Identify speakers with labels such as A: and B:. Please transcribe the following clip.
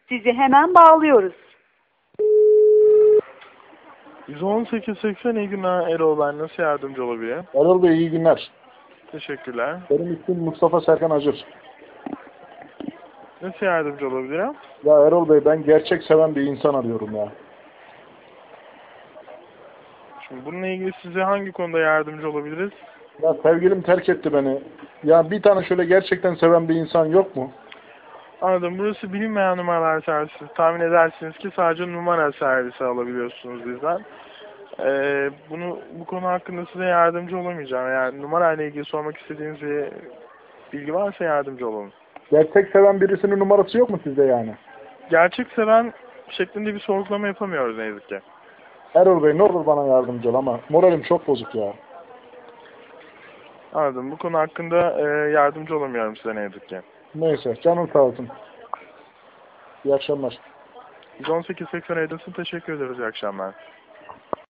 A: Sizi hemen bağlıyoruz.
B: 118.80 iyi günler Erol, ben nasıl yardımcı olabilirim?
C: Erol Bey iyi günler.
B: Teşekkürler.
C: Benim ismim Mustafa Serkan Acır.
B: Nasıl yardımcı olabilirim?
C: Ya Erol Bey ben gerçek seven bir insan arıyorum ya.
B: Şimdi bununla ilgili size hangi konuda yardımcı olabiliriz?
C: Ya sevgilim terk etti beni. Ya bir tane şöyle gerçekten seven bir insan yok mu?
B: Anladım. Burası bilinmeyen numaralar servisi. Tahmin edersiniz ki sadece numara servisi alabiliyorsunuz bizden. Bu konu hakkında size yardımcı olamayacağım. Yani numarayla ilgili sormak istediğiniz bir bilgi varsa yardımcı olalım.
C: Gerçek seven birisinin numarası yok mu sizde yani?
B: Gerçek seven şeklinde bir sorgulama yapamıyoruz ne yazık ki.
C: Erol Bey ne olur bana yardımcı ol ama moralim çok bozuk ya.
B: Anladım. Bu konu hakkında yardımcı olamıyorum size ne yazık ki.
C: Neyse canım sağ olsun. İyi akşamlar.
B: 118.80 Edison teşekkür ederiz. İyi akşamlar.